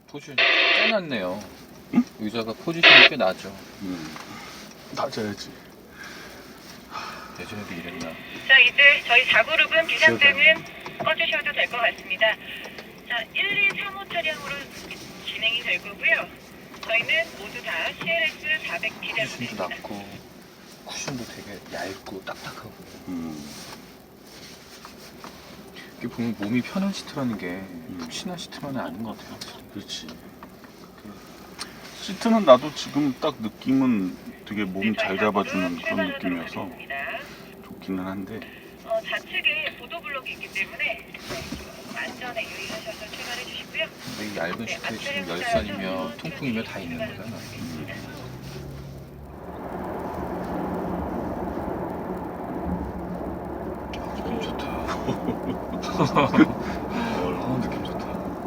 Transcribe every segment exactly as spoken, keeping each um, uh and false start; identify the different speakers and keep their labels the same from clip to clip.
Speaker 1: 포지션이 꽤 낮네요. 응? 의자가 포지션이 꽤 나죠.
Speaker 2: 음. 낮아야지.
Speaker 1: 예전에도 이랬나?
Speaker 3: 자, 이제 저희 사 그룹은 비상등은 꺼주셔도 될 것 같습니다. 자, 일, 이, 삼 호 차량으로 진행이 될 거고요. 저희는 모두 다 씨엘에스 사백 티대로
Speaker 1: 쿠션도
Speaker 3: 됩니다.
Speaker 1: 낮고 쿠션도 되게 얇고 딱딱하고.
Speaker 2: 음.
Speaker 1: 이게 보면 몸이 편한 시트라는 게
Speaker 2: 음.
Speaker 1: 푹신한 시트만은 아닌 것 같아요. 확실히.
Speaker 2: 그렇지. 시트는 나도 지금 딱 느낌은 되게 몸 잘 잡아주는 그런 느낌이어서 좋기는 한데.
Speaker 3: 어, 좌측에 보도블록이 있기 때문에 안전에 유의하셔서 출발해 주시고요.
Speaker 1: 근데 이 얇은 시트에 지금 열선이며 통풍이며 다 있는 거잖아. 느낌 좋다. 어, 느낌 좋다.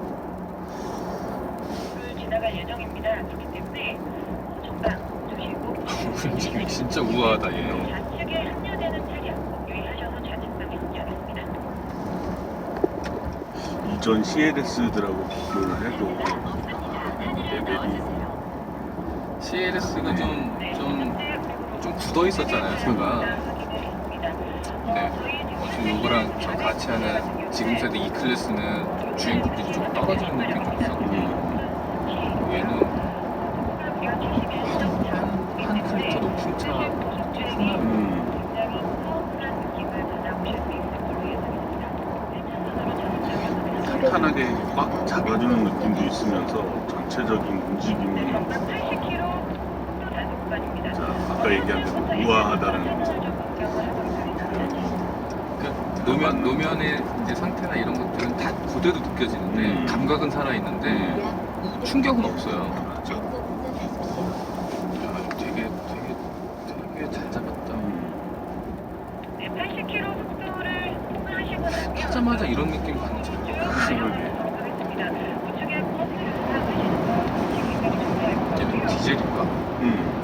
Speaker 3: 그 지나갈 예정입니다. 그렇기 때문에 전방 주시고
Speaker 1: 움직임이 진짜 우아하다 얘.
Speaker 3: 좌측에 합류되는 차량 유의하셔서 좌측 방향 운전했습니다.
Speaker 2: 이전 씨엘에스들하고 비교를 해도 레벨이
Speaker 1: 씨엘에스가 좀, 좀, 좀 굳어 있었잖아요, 제가. 네. 어, 지금 요거랑 저 같이 하는 지금 세대 E 클래스는 주행급이 좀 떨어지는 느낌이 좀 있었고, 얘는 한, 한 클리터 높은 차,
Speaker 2: 음. 탄탄하게 꽉 잡아주는 느낌도 있으면서 전체적인 움직임이
Speaker 3: 팔십 킬로미터 단속 구간입니다.
Speaker 2: 자, 아까 얘기한 대로 우아하다는
Speaker 1: 그 노면, 노면의 이제 상태나 이런 것들은 다 고대로 느껴지는데,
Speaker 2: 음.
Speaker 1: 감각은 살아있는데, 충격은 없어요.
Speaker 2: 그렇죠.
Speaker 1: 야, 되게, 되게, 되게 잘 잡았다.
Speaker 2: 음.
Speaker 3: 네, 팔십 킬로미터 속도를 하시고 나면
Speaker 1: 타자마자 이런 느낌 받는 차.
Speaker 3: 하겠습니다. 우측에 버스를 타시는 거
Speaker 1: 얘는 디젤인가?
Speaker 2: 음.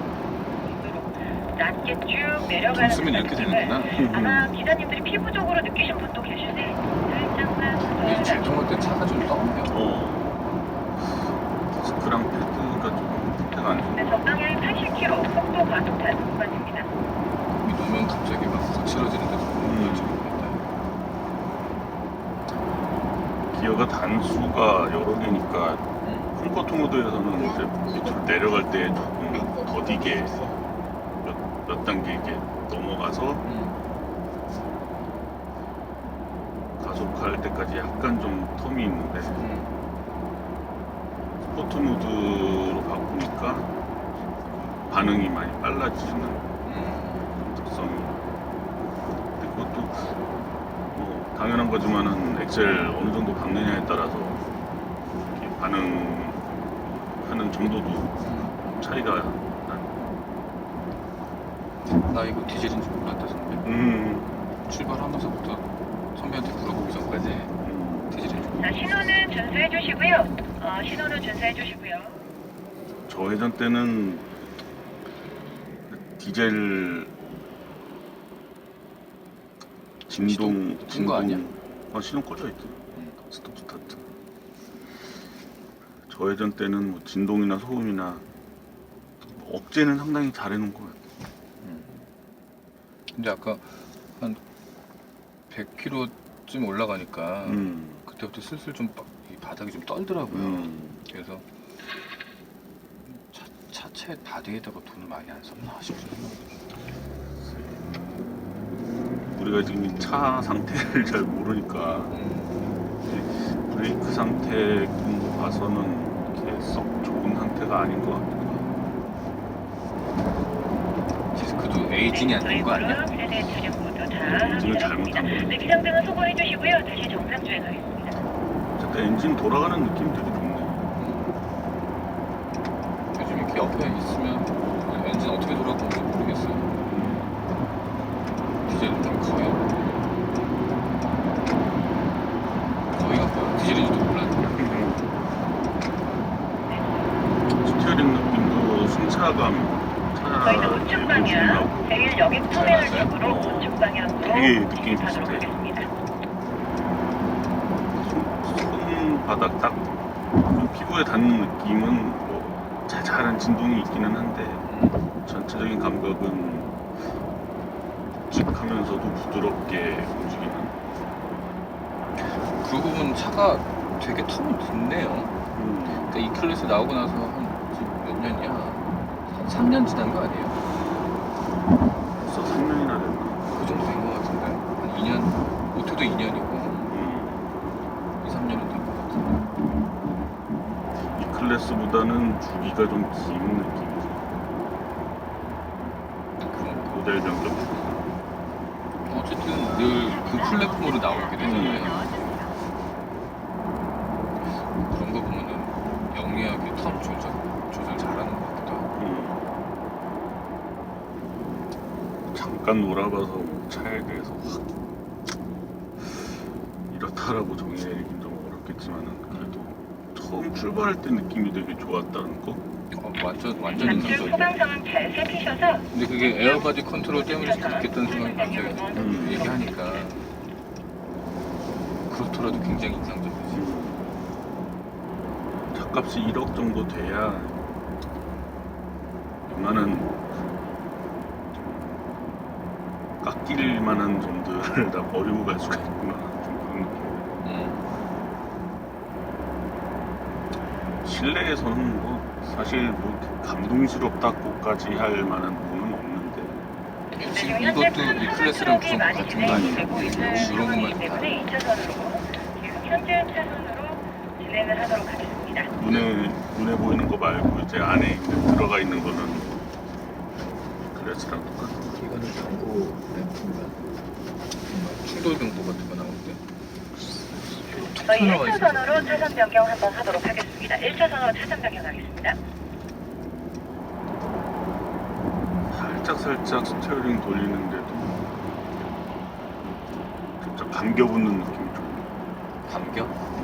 Speaker 3: 낮게 쭉 내려가는
Speaker 1: 돈 쓰면 이렇게 되는구나.
Speaker 3: 아마 기사님들이 피부적으로 느끼신 분도 계시네. 살짝만
Speaker 1: 이 제동할 때 차가 좀 떠요.
Speaker 2: 어. 디스크랑 패드가 조금 상태가 안
Speaker 3: 네,
Speaker 2: 좋아.
Speaker 3: 적당히 팔십 킬로미터 속도 과속 단속 구간입니다.
Speaker 1: 이 노면 갑자기 막 거칠어지는데
Speaker 2: 음.
Speaker 1: 좀
Speaker 2: 기어가 단수가 여러 개니까
Speaker 1: 음.
Speaker 2: 컴포트 모드에서는 이제 밑으로 내려갈 때 조금 더디게 몇, 몇 단계 이게 넘어가서
Speaker 1: 음.
Speaker 2: 가속할 때까지 약간 좀 텀이 있는데
Speaker 1: 음.
Speaker 2: 스포트 모드로 바꾸니까 반응이 많이 빨라지는
Speaker 1: 음.
Speaker 2: 특성이. 근데 그것도 뭐 당연한 거지만은 엑셀 어느 정도 박느냐에 따라서 이렇게 반응하는 정도도 차이가 나.
Speaker 1: 나 이거 디젤인 줄 몰랐다 선배.
Speaker 2: 음,
Speaker 1: 출발하면서부터 선배한테 물어보기 전까지
Speaker 2: 음.
Speaker 1: 디젤인 줄
Speaker 3: 자,
Speaker 1: 몰랐어.
Speaker 3: 신호는 준수해 주시고요. 어, 신호는 준수해 주시고요.
Speaker 2: 저 회전 때는 디젤 진동
Speaker 1: 시동 끈거 아니야?
Speaker 2: 어, 시동 꺼져 있지.
Speaker 1: 음.
Speaker 2: 스톱 스타트. 저 회전 때는 뭐 진동이나 소음이나 뭐 억제는 상당히 잘해놓은 것 같아.
Speaker 1: 음. 근데 아까 한 백 킬로미터쯤 올라가니까
Speaker 2: 음,
Speaker 1: 그때부터 슬슬 좀 바, 이 바닥이 좀 떨더라고요.
Speaker 2: 음.
Speaker 1: 그래서 차, 차체 바디에다가 돈을 많이 안 썼나 싶어요.
Speaker 2: 우리가 지금 이 차 상태를 잘 모르니까
Speaker 1: 음.
Speaker 2: 브레이크 상태 그런 거 봐서는 이렇게 썩 좋은 상태가 아닌 것 같기도 하고.
Speaker 1: 디스크도 에이징이 안 된 거 아니야?
Speaker 3: 세대 차량 모두 다
Speaker 2: 엔진을 잘못한 거지.
Speaker 3: 네, 비상등은 소거해 주시고요. 다시 정상 주행하겠습니다.
Speaker 2: 어쨌든 엔진 돌아가는 느낌이 되게 좋네.
Speaker 1: 요즘 이렇게 옆에 있으면 엔진 어떻게 돌아가는지 모르겠어요. 디젤 느낌 거의 거의 없어요. 디젤인지도 몰랐는데.
Speaker 2: 스티어링 느낌도 승차감
Speaker 3: 저희는 우측 방향, 제일 여객 터미널 쪽으로
Speaker 2: 어,
Speaker 3: 우측 방향으로
Speaker 2: 되게 느낌이
Speaker 3: 가도록
Speaker 2: 비슷해.
Speaker 3: 하겠습니다.
Speaker 2: 손바닥 딱 피부에 닿는 느낌은 뭐 자잘한 진동이 있기는 한데
Speaker 1: 음.
Speaker 2: 전체적인 감각은 묵직하면서도 부드럽게 움직이는.
Speaker 1: 그러고 보면 차가 되게 텀이 됐네요.
Speaker 2: 음.
Speaker 1: 그러니까 이 클래스 나오고 나서 한 지금 몇 년이야? 한 삼 년 지난 거 아니에요?
Speaker 2: 벌써 삼 년이나 됐나?
Speaker 1: 그 정도 된 거 같은데. 한 이 년, 오토도 이 년이고
Speaker 2: 음.
Speaker 1: 이, 삼 년은 된 거 같은데.
Speaker 2: 이 클래스보다는 주기가 좀 긴 느낌이죠.
Speaker 1: 그런
Speaker 2: 모델 변경.
Speaker 1: 거. 어쨌든 늘 그 플랫폼으로 나오게 되잖아요. 그런 거 보면은 영리하게 텀 조절, 조절 잘하는 것 같기도 하고.
Speaker 2: 음. 잠깐 놀아봐서 차에 대해서 확 이렇다라고 정의 내리긴 좀 어렵겠지만은 그래도 처음 출발할 때 느낌이 되게 좋았다는 거.
Speaker 1: 어, 완전 완전
Speaker 3: 좌측
Speaker 1: 인상적이야.
Speaker 3: 후방상은 잘 살피셔서
Speaker 1: 근데 그게 에어바디 컨트롤 때문일 수도 있겠다는 생각이 갑자기
Speaker 2: 음.
Speaker 1: 얘기하니까 그렇더라도 굉장히 인상적이지.
Speaker 2: 차값이 일억 정도 돼야 웬만한 깎일 만한 점들을 다 버리고 갈 수가 있구나. 좀 그런 느낌.
Speaker 1: 음.
Speaker 2: 실내에서는 뭐 사실 뭐 감동스럽다고까지 할 만한 부분은 없는데
Speaker 1: 지금 이것도 이 클래스랑 구성
Speaker 3: 많이
Speaker 1: 같은 거
Speaker 3: 진행이
Speaker 1: 아니에요?
Speaker 3: 되고 있는
Speaker 1: 이런
Speaker 3: 상황이기
Speaker 1: 것만 다.
Speaker 3: 때문에 이 차선으로 지금 현재 차선으로 진행을 하도록 하겠습니다.
Speaker 2: 눈에 눈에 보이는 거 말고 이제 안에 있는 들어가 있는 거는 클래스랑 똑같은 거.
Speaker 1: 이거는 경고 램프인가? 충돌 경보 같은 거 나올 때. 툭
Speaker 3: 저희
Speaker 1: 튀어나와
Speaker 3: 일
Speaker 1: 있어요.
Speaker 3: 차선으로 차선 변경 한번 하도록 하겠습니다. 일 차선으로 차선 변경하겠습니다.
Speaker 2: 살짝 살짝 스티어링 돌리는데도 진짜 감겨붙는 느낌이 좀.
Speaker 1: 감겨?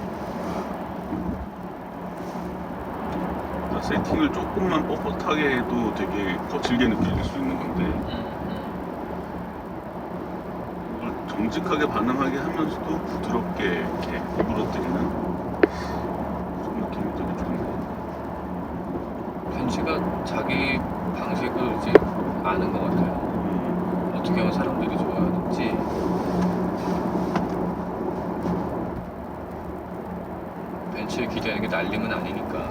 Speaker 2: 그러니까 세팅을 조금만 뻣뻣하게 해도 되게 거칠게 느껴질 수 있는 건데
Speaker 1: 음,
Speaker 2: 그걸 정직하게 반응하게 하면서도 부드럽게 이렇게 구부러뜨리는 그런 느낌이 되게 좋네요.
Speaker 1: 음. 벤츠가 자기 방식을 이제 아는 것 같아요.
Speaker 2: 음,
Speaker 1: 어떻게 하면 사람들이 좋아하는지. 벤츠에 기대하는 게 날림은 아니니까.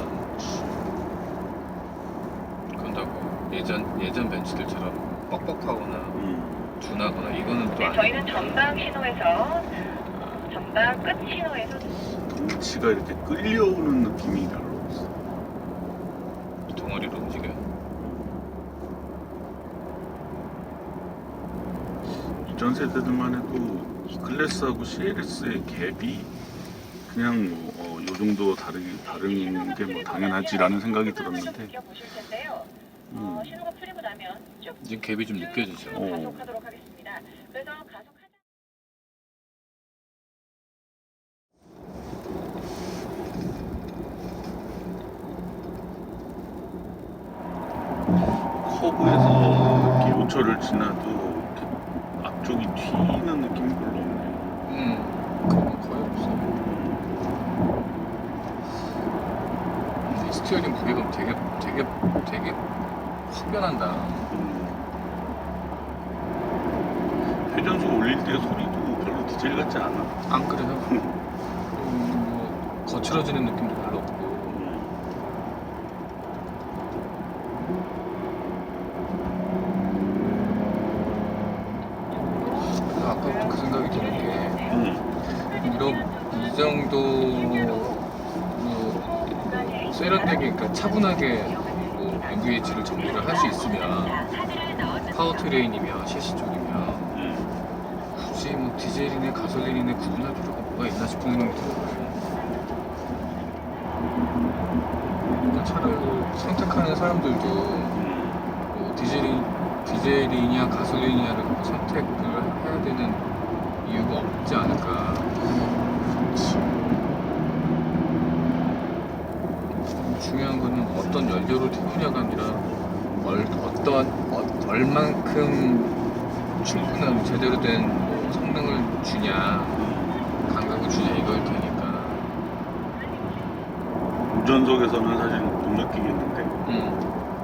Speaker 1: 그런다고 예전 예전 벤츠들처럼 뻑뻑하거나
Speaker 2: 음.
Speaker 1: 둔하거나 이거는 또
Speaker 3: 네,
Speaker 1: 아니고.
Speaker 3: 저희는 전방 신호에서 전방 끝 신호에서
Speaker 2: 덩치가 이렇게 끌려오는 느낌이 별로 없어.
Speaker 1: 덩어리로 움직여요.
Speaker 2: 이전 세대들만 해도 이 클래스하고 씨엘에스의 갭이 그냥 뭐 어, 요 정도 다르기 다른 게 뭐 당연하지라는 생각이 들었는데
Speaker 3: 느껴보실 텐데요.
Speaker 2: 음.
Speaker 3: 어, 신호가 풀리고 나면 쭉
Speaker 1: 이제 갭이 좀 느껴지죠.
Speaker 2: 어.
Speaker 3: 가속하도록 하겠습니다. 그래서 가속하자.
Speaker 2: 커브에서 이렇게 요철을 지나도 이렇게 앞쪽이 튀는 느낌이 별로 없네요.
Speaker 1: 음, 그런 건 거의 없어. 근데 스티어링 무게감 되게 되게 되게 확 변한다.
Speaker 2: 음. 회전수 올릴 때 소리도 별로 디젤 같지 않아.
Speaker 1: 안 그래요? 음, 뭐 거칠어지는 느낌도 별로 없고. 그래서 아까부터 그 생각이 드는 게
Speaker 2: 음.
Speaker 1: 이런 이 정도 뭐 세련되게 그러니까 차분하게 뭐 엠브이에이치를 정리를 할 수 있으면 파워트레인이며 셰시 쪽이면
Speaker 2: 음.
Speaker 1: 굳이 뭐 디젤이네 가솔린이네 구분할 필요가 뭐가 있나 싶은 생각이 들어요. 그러니까 차를 선택하는 사람들도
Speaker 2: 음.
Speaker 1: 뭐 디젤이, 디젤이냐 가솔린이냐를 선택을 해야 되는 이유가 없지 않을까. 중요한 거는 어떤 연료를 태우냐가 아니라 얼, 어떤 어, 얼만큼 충분한 제대로 된 뭐 성능을 주냐 감각을 주냐 이거일 테니까
Speaker 2: 운전석에서는 사실 못 느끼겠는데
Speaker 1: 음.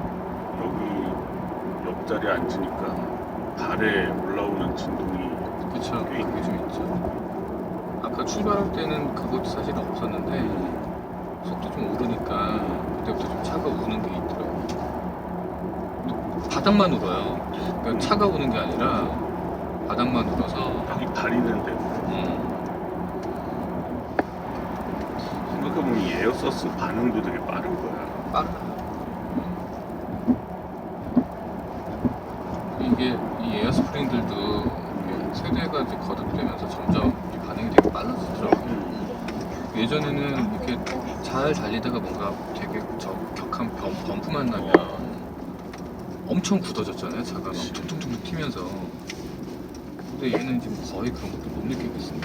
Speaker 2: 여기 옆자리에 앉으니까 발에 올라오는 진동이
Speaker 1: 그쵸.
Speaker 2: 꽤
Speaker 1: 그게 좀 있죠. 아까 출발할 때는 그것도 사실은 없었는데 속도 좀 오르니까 그때부터 좀 차가 우는 게 있더라고요. 바닥만 울어요. 그러니까 차가 우는 게 아니라 바닥만 울어서
Speaker 2: 딱 이 가리는데
Speaker 1: 음,
Speaker 2: 생각해보면 이 에어서스 반응도 되게 빠른 거야.
Speaker 1: 빠르. 이게 이 에어스프링들도 이게 세대가 이제 거듭되면서 점점 이 반응이 되게 빨라지더라고요. 예전에는 이렇게 잘 달리다가 뭔가 되게 저 격한 범, 범프만 나면 엄청 굳어졌잖아요. 차가 막 툭툭툭툭 튀면서. 근데 얘는 지금 거의 그런 것도 못 느끼고 있으니까.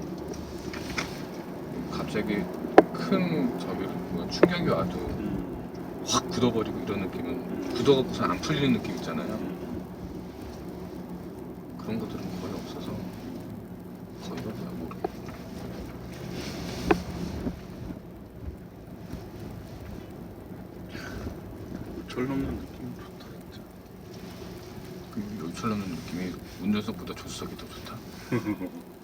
Speaker 1: 갑자기 큰 저기 뭐 충격이 와도
Speaker 2: 음.
Speaker 1: 확 굳어버리고 이런 느낌은 굳어갖고서 안 풀리는 느낌 있잖아요. 그런 것들은 거의 없어서 거의 없어요. 모르겠어요.
Speaker 2: 철 넘는 느낌이 좋다 진짜.
Speaker 1: 그 요철 나는 느낌이 운전석보다 조수석이 더 좋다.